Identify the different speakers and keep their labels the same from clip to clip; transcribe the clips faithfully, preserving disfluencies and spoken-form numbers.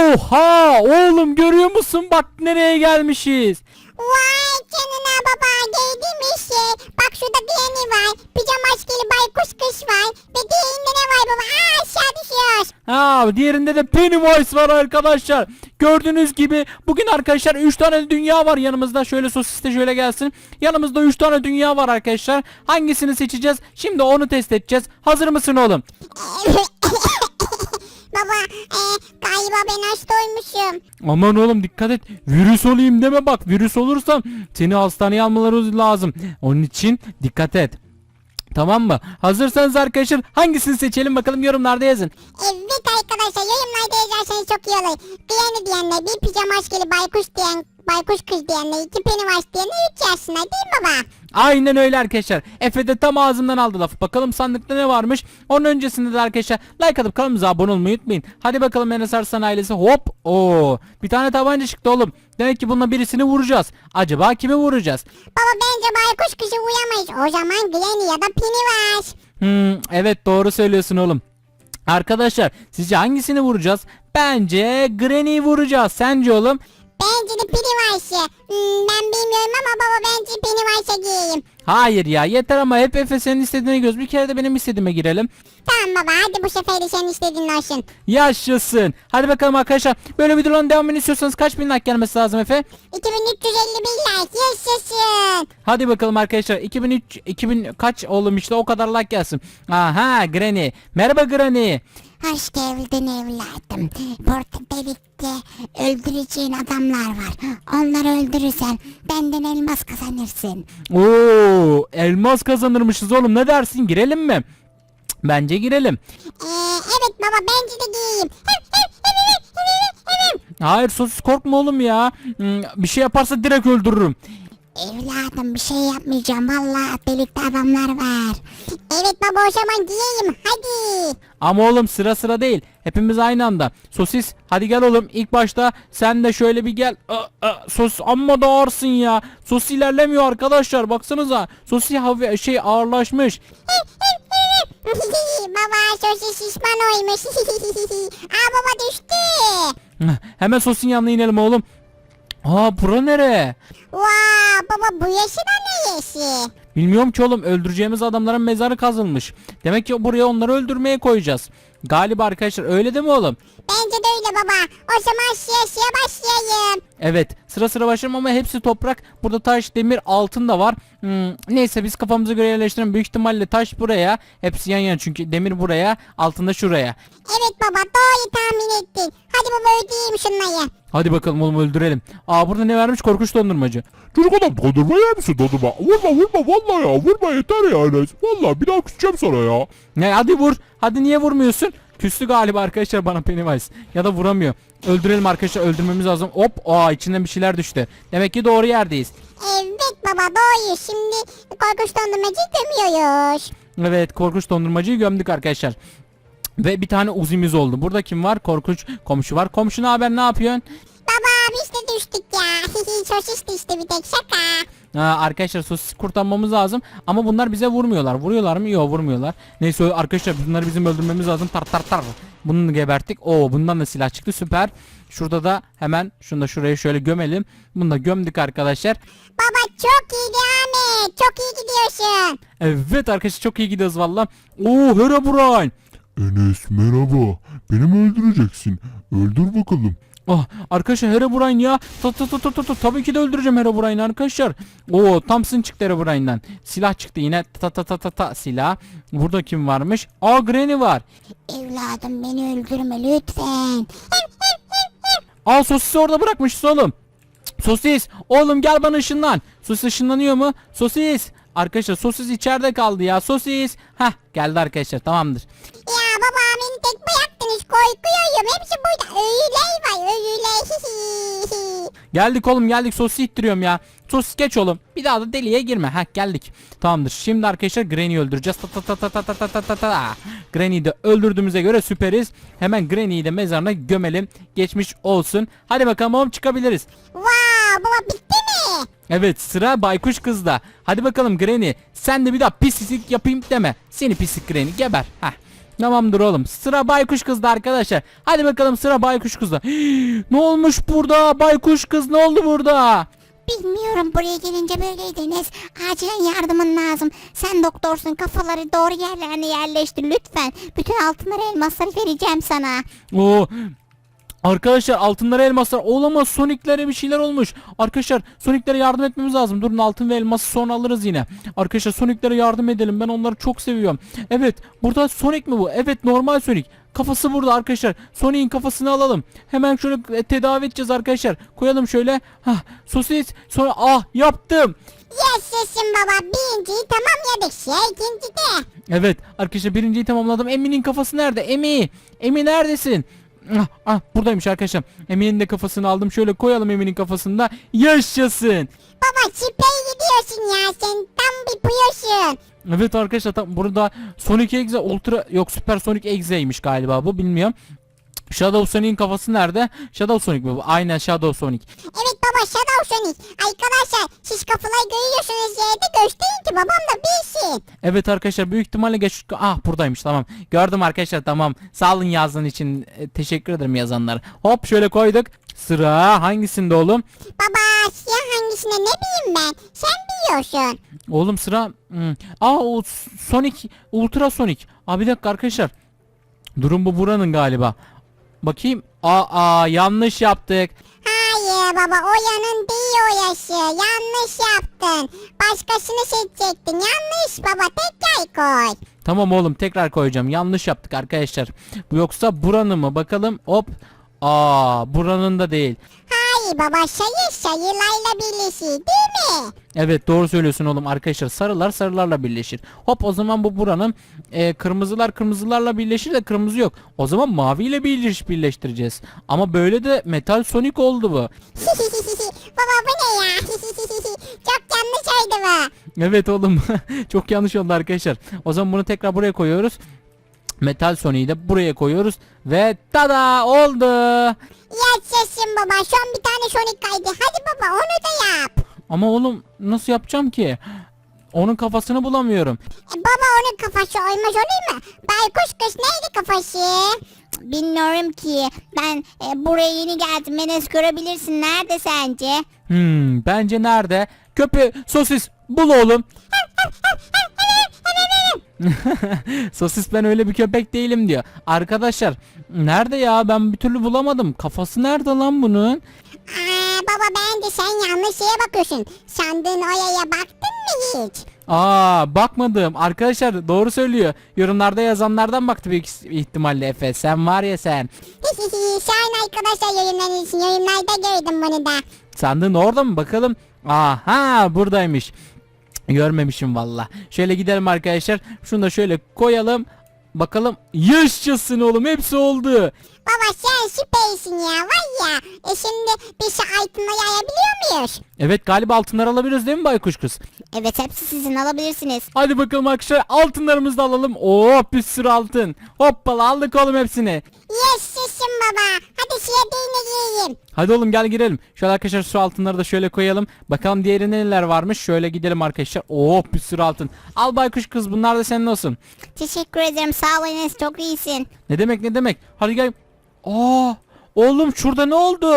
Speaker 1: Oha oğlum, görüyor musun? Bak nereye gelmişiz.
Speaker 2: Vay canına baba, geldim işte. Bak şurada Granny var. Pijama maskeli baykuş kız var. Ve diğerinde ne var baba? Aa, aşağı düşüyoruz.
Speaker 1: Ha, diğerinde de Pennywise var arkadaşlar. Gördüğünüz gibi bugün arkadaşlar üç tane dünya var yanımızda. Şöyle sosis de şöyle gelsin. Yanımızda üç tane dünya var arkadaşlar. Hangisini seçeceğiz? Şimdi onu test edeceğiz. Hazır mısın oğlum?
Speaker 2: Baba e, galiba ben hasta olmuşum.
Speaker 1: Aman oğlum dikkat et. Virüs olayım deme bak. Virüs olursam seni hastaneye almaları lazım. Onun için dikkat et. Tamam mı? Hazırsanız arkadaşlar hangisini seçelim bakalım, yorumlarda yazın.
Speaker 2: Evet arkadaşlar, yorumlarda yazarsanız çok iyi olur. Granny diyenler, bir pijama maskeli baykuş diyen, baykuş kız diyenler, iki Pennywise diyenler, üç yazsınlar değil mi baba?
Speaker 1: Aynen öyle arkadaşlar. Efe de tam ağzımdan aldı lafı. Bakalım sandıkta ne varmış. Onun öncesinde de arkadaşlar like atıp kanalımıza abone olmayı unutmayın. Hadi bakalım Enes Arslan ailesi. Hop. Oo. Bir tane tabanca çıktı oğlum. Demek ki bununla birisini vuracağız. Acaba kimi vuracağız?
Speaker 2: Baba bence baykuş kızı uyamayız. O zaman Granny ya da Pennywise.
Speaker 1: Hmm, evet doğru söylüyorsun oğlum. Arkadaşlar sizce hangisini vuracağız? Bence Granny'yi vuracağız. Sence oğlum?
Speaker 2: Bence de Pennywise'ı. Hmm, ben bilmiyorum ama baba bence Pennywise'a gireyim.
Speaker 1: Hayır ya, yeter ama hep Efe senin istediğine göz. Bir kere de benim istediğime girelim.
Speaker 2: Tamam baba, hadi bu sefer de senin istediğin olsun.
Speaker 1: Yaşasın. Hadi bakalım arkadaşlar. Böyle videoların devamını istiyorsanız kaç bin like gelmesi lazım Efe?
Speaker 2: iki bin üç yüz elli bir like, yaşasın.
Speaker 1: Hadi bakalım arkadaşlar. iki bin üç iki bin kaç oğlum, işte o kadar like gelsin. Aha, Granny. Merhaba Granny.
Speaker 2: Hoş geldin evladım. Burada birlikte öldüreceğin adamlar var. Onları öldürürsen benden elmas kazanırsın.
Speaker 1: Oo, elmas kazanırmışız oğlum. Ne dersin? Girelim mi? Cık, bence girelim.
Speaker 2: Ee, evet baba, bence de gireyim. Hem, hem, hem, hem, hem, hem, hem.
Speaker 1: Hayır sosis, korkma oğlum ya. Hmm, bir şey yaparsa direkt öldürürüm.
Speaker 2: Evladım bir şey yapmayacağım. Vallahi birlikte adamlar var. Evet baba, o zaman gireyim. Hadi.
Speaker 1: Ama oğlum sıra sıra değil. Hepimiz aynı anda. Sosis hadi gel oğlum. İlk başta sen de şöyle bir gel. Aa, aa, sosis amma da ağırsın ya. Sosis ilerlemiyor arkadaşlar. Baksanıza. Sosis hafif şey ağırlaşmış.
Speaker 2: Baba sosis şişman olmuş. Aa baba düştü.
Speaker 1: Hemen sosisin yanına inelim oğlum. Aa, bura nere?
Speaker 2: Vaa baba, bu yaşı da ne yaşı?
Speaker 1: Bilmiyorum ki oğlum, öldüreceğimiz adamların mezarı kazılmış. Demek ki buraya onları öldürmeye koyacağız. Galiba arkadaşlar, öyle değil mi oğlum?
Speaker 2: Bence de öyle baba. O zaman şişe şişe başlayayım.
Speaker 1: Evet, sıra sıra başlayalım ama hepsi toprak. Burada taş, demir, altın da var. Hmm, neyse biz kafamıza göre yerleştirelim. Büyük ihtimalle taş buraya. Hepsi yan yana çünkü demir buraya, altın da şuraya.
Speaker 2: Evet baba, doğru tahmin ettin. Hadi baba ödeyeyim şunları.
Speaker 1: Hadi bakalım oğlum, öldürelim. Aa, burada ne vermiş? Korkunç dondurmacı.
Speaker 3: Çocuk adam dondurma yer misin dondurma? Vurma vurma vallahi ya, vurma yeter ya Enes. Vallahi bir daha küseceğim sana ya.
Speaker 1: Ne, hadi vur. Hadi niye vurmuyorsun? Küstü galiba arkadaşlar bana Pennywise. Ya da vuramıyor. Öldürelim arkadaşlar, öldürmemiz lazım. Hop, aa, içinden bir şeyler düştü. Demek ki doğru yerdeyiz.
Speaker 2: Evet baba, doğru. Şimdi korkunç dondurmacı demiyoruz.
Speaker 1: Evet, korkunç dondurmacıyı gömdük arkadaşlar. Ve bir tane uzimiz oldu. Burada kim var? Korkunç komşu var. Komşu ne haber, ne yapıyorsun?
Speaker 2: Baba biz de düştük ya. Sosis düştü bir tek, şaka.
Speaker 1: Ha, arkadaşlar sosis kurtarmamız lazım. Ama bunlar bize vurmuyorlar. Vuruyorlar mı? Yok, vurmuyorlar. Neyse arkadaşlar, bunları bizim öldürmemiz lazım. Tar tar tar. Bunu geberttik. Oo, bundan da silah çıktı. Süper. Şurada da hemen şunu da şuraya şöyle gömelim. Bunu da gömdük arkadaşlar.
Speaker 2: Baba çok iyi devam et. Çok iyi gidiyorsun.
Speaker 1: Evet arkadaşlar, çok iyi gidiyoruz valla. Oo, Herobrine.
Speaker 3: Enes merhaba. Beni mi öldüreceksin? Öldür bakalım.
Speaker 1: Oh, arkadaşlar Herobrine ya. Ta, ta, ta, ta, ta, ta. Tabii ki de öldüreceğim Herobrine'i arkadaşlar. Oo, Thompson çıktı Herobrine'den. Silah çıktı yine. Ta ta ta ta ta silah. Burada kim varmış? Aa, Granny var.
Speaker 2: Evladım beni öldürme lütfen.
Speaker 1: Aa, sosisi orada bırakmışız oğlum. Sosis oğlum, gel bana ışınlan. Sosis ışınlanıyor mu? Sosis. Arkadaşlar sosis içeride kaldı ya. Sosis. Hah, geldi arkadaşlar, tamamdır.
Speaker 2: Ya baba beni tek bıraktınız, korkuyorum. Hepsi burada. Öyle var öyle.
Speaker 1: Geldik oğlum, geldik. Sosis ittiriyorum ya. Sosis geç oğlum. Bir daha da deliğe girme. Ha, geldik. Tamamdır. Şimdi arkadaşlar Granny'yi öldüreceğiz. Ta ta ta ta ta ta ta ta ta. Granny'yi de öldürdüğümüze göre süperiz. Hemen Granny'yi de mezarına gömelim. Geçmiş olsun. Hadi bakalım oğlum, çıkabiliriz.
Speaker 2: Wow baba, bitti mi?
Speaker 1: Evet, sıra baykuş kızda. Hadi bakalım Granny. Sen de bir daha pislik yapayım deme. Seni pislik Granny, geber. Heh. Tamamdır oğlum. Sıra baykuş kızda arkadaşlar. Hadi bakalım sıra baykuş kızda. Ne olmuş burada? Baykuş kız ne oldu burada?
Speaker 2: Bilmiyorum, buraya gelince böyleydiniz. Acilen yardımın lazım. Sen doktorsun, kafaları doğru yerlerine yerleştir lütfen. Bütün altınları, elmasları vereceğim sana.
Speaker 1: Oo. Arkadaşlar altınlara elmaslar olamaz, Sonic'lere bir şeyler olmuş. Arkadaşlar Sonic'lere yardım etmemiz lazım. Durun, altın ve elması sonra alırız yine. Arkadaşlar Sonic'lere yardım edelim. Ben onları çok seviyorum. Evet, burada Sonic mi bu? Evet, normal Sonic. Kafası burada arkadaşlar. Sonic'in kafasını alalım. Hemen şöyle e, tedavi edeceğiz arkadaşlar. Koyalım şöyle. Hah, sosis. Sonra ah yaptım.
Speaker 2: Yaşasın baba, birinciyi tamamladık. Şey, ikinci de.
Speaker 1: Evet arkadaşlar, birinciyi tamamladım. Emi'nin kafası nerede? Emi. Emi neredesin? Ah, ah buradaymış arkadaşlar. Emi'nin de kafasını aldım. Şöyle koyalım Emi'nin kafasında. Yaşasın.
Speaker 2: Baba süper gidiyorsun ya, sen tam bir puyuyorsun.
Speaker 1: Evet arkadaşlar, tam burada Sonic Exe Ultra, yok Super Sonic Exe'ymiş galiba bu, bilmiyorum. Shadow Sonic'in kafası nerede? Shadow Sonic mi bu? Aynen Shadow Sonic.
Speaker 2: Evet baba, Shadow Sonic. Arkadaşlar siz kafaları görüyorsunuz yerde, gösterin ki babam da bilsin.
Speaker 1: Evet arkadaşlar, büyük ihtimalle geç... Ah buradaymış, tamam. Gördüm arkadaşlar, tamam. Sağ olun yazdığın için. E, teşekkür ederim yazanlara. Hop şöyle koyduk. Sıra hangisinde oğlum?
Speaker 2: Baba siyah hangisine ne bileyim ben, sen biliyorsun.
Speaker 1: Oğlum sıra... Hmm. Aa o Sonic Ultra Sonic. Aa bir dakika arkadaşlar. Durum bu buranın galiba. Bakayım. Aa, aa yanlış yaptık.
Speaker 2: Hayır baba, o yanın değil o yaşı. Yanlış yaptın. Başkasını seçecektin. Yanlış baba, tekrar koy.
Speaker 1: Tamam oğlum, tekrar koyacağım. Yanlış yaptık arkadaşlar. Bu yoksa buranın mı? Bakalım. Hop. Aa buranın da değil.
Speaker 2: Hayır baba, sayı sayılarla birleşir değil mi?
Speaker 1: Evet doğru söylüyorsun oğlum arkadaşlar. Sarılar sarılarla birleşir. Hop o zaman bu buranın e, kırmızılar kırmızılarla birleşir de kırmızı yok. O zaman maviyle birleş birleştireceğiz. Ama böyle de Metal Sonic oldu bu.
Speaker 2: Baba bu ne ya? Çok yanlış oldu bu.
Speaker 1: Evet oğlum. Çok yanlış oldu arkadaşlar. O zaman bunu tekrar buraya koyuyoruz. Metal Sonic'i de buraya koyuyoruz. Ve tada oldu.
Speaker 2: Yaşasın baba, son bir tane Sonic kaydı. Hadi baba, onu da yap.
Speaker 1: Ama oğlum nasıl yapacağım ki? Onun kafasını bulamıyorum.
Speaker 2: E, baba onun kafası olmaz olur mu? Baykuş kız neydi kafası? Bilmiyorum ki. Ben e, buraya yeni geldim. Enes görebilirsin. Nerede sence?
Speaker 1: Hmm, bence nerede? Köpe sosis bul oğlum. Sosis ben öyle bir köpek değilim diyor. Arkadaşlar nerede ya, ben bir türlü bulamadım. Kafası nerede lan bunun?
Speaker 2: Aa, baba bence sen yanlış şeye bakıyorsun. Sandığın oyaya baktın mı hiç?
Speaker 1: Aa bakmadım. Arkadaşlar doğru söylüyor. Yorumlarda yazanlardan baktı büyük ihtimalle Efe. Sen var ya sen.
Speaker 2: Şahin arkadaşlar yorumların için yorumlarda gördüm bunu da.
Speaker 1: Sandığın orada mı bakalım? Aha buradaymış. Görmemişim valla. Şöyle gidelim arkadaşlar. Şunu da şöyle koyalım. Bakalım. Yaşasın oğlum, hepsi oldu.
Speaker 2: Baba sen süpersin ya, var ya. E şimdi bir şey altına yayabiliyor muyuz?
Speaker 1: Evet galiba altınları alabiliriz değil mi baykuş kız?
Speaker 2: Evet, hepsi sizin, alabilirsiniz.
Speaker 1: Hadi bakalım arkadaşlar, altınlarımızı da alalım. Oo bir sürü altın. Hoppala aldık oğlum hepsini.
Speaker 2: Yaşasın baba. Hadi şeye değine gireyim.
Speaker 1: Hadi oğlum gel girelim. Şöyle arkadaşlar şu altınları da şöyle koyalım. Bakalım diğerinde neler varmış. Şöyle gidelim arkadaşlar. Oo bir sürü altın. Al baykuş kız, bunlar da senin olsun.
Speaker 2: Teşekkür ederim, sağ ol Enes, çok iyisin.
Speaker 1: Ne demek ne demek. Hadi gel. Aa oğlum şurada ne oldu?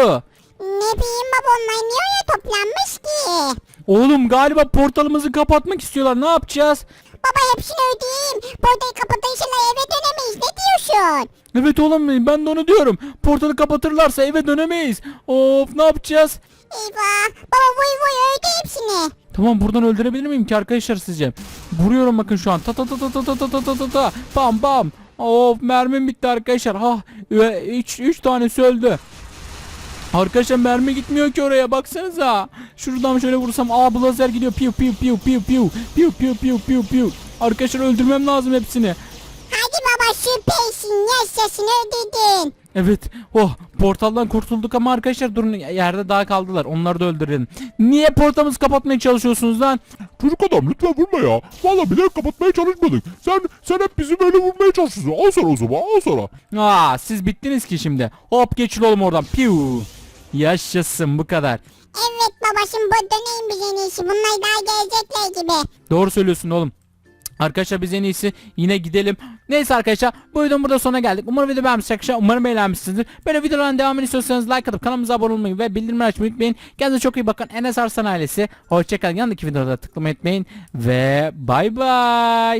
Speaker 2: Ne bileyim baba, onlar niye öyle toplanmış ki?
Speaker 1: Oğlum galiba portalımızı kapatmak istiyorlar. Ne yapacağız?
Speaker 2: Baba hepsini ödeyeyim. Portayı kapatınca eve dönemeyiz. Ne diyorsun?
Speaker 1: Evet oğlum ben de onu diyorum. Portalı kapatırlarsa eve dönemeyiz. Of ne yapacağız?
Speaker 2: Eyvah. Baba vuy vuy öde hepsini.
Speaker 1: Tamam, buradan öldürebilir miyim ki arkadaşlar sizce? Vuruyorum bakın şu an. Ta ta ta ta ta ta ta ta ta ta ta. Bam bam. Of mermim bitti arkadaşlar. Ha üç üç tanesi öldü. Arkadaşlar mermi gitmiyor ki oraya, baksanıza. Şuradan şöyle vursam aa bu lazer gidiyor. Piu piu piu piu piu. Piu piu piu piu piu. Arkadaşlar öldürmem lazım hepsini.
Speaker 2: Hadi baba süpersin. Yaşasın ödedin.
Speaker 1: Evet. Oh portaldan kurtulduk ama arkadaşlar durun, yerde daha kaldılar. Onları da öldürelim. Niye portamızı kapatmaya çalışıyorsunuz lan?
Speaker 3: Çocuk adam lütfen vurma ya. Valla bilerek kapatmaya çalışmadık. Sen sen hep bizi böyle vurmaya çalışıyorsun. Al sana o zaman, al sana.
Speaker 1: Aa siz bittiniz ki şimdi. Hop geçin oğlum oradan. Piu. Yaşasın, bu kadar.
Speaker 2: Evet baba, şimdi bu döneyim biz en iyisi. Bunlar daha gelecekler gibi.
Speaker 1: Doğru söylüyorsun oğlum. Arkadaşlar biz en iyisi yine gidelim. Neyse arkadaşlar bu videonun burada sonuna geldik. Umarım video beğenmişsiniz arkadaşlar. Umarım eğlenmişsinizdir. Böyle videoların devamını istiyorsanız like atıp kanalımıza abone olmayı ve bildirimleri açmayı unutmayın. Kendinize çok iyi bakın. Enes Arslan ailesi. Hoşçakalın. Yanındaki videoda tıklamayı unutmayın. Ve bay bay.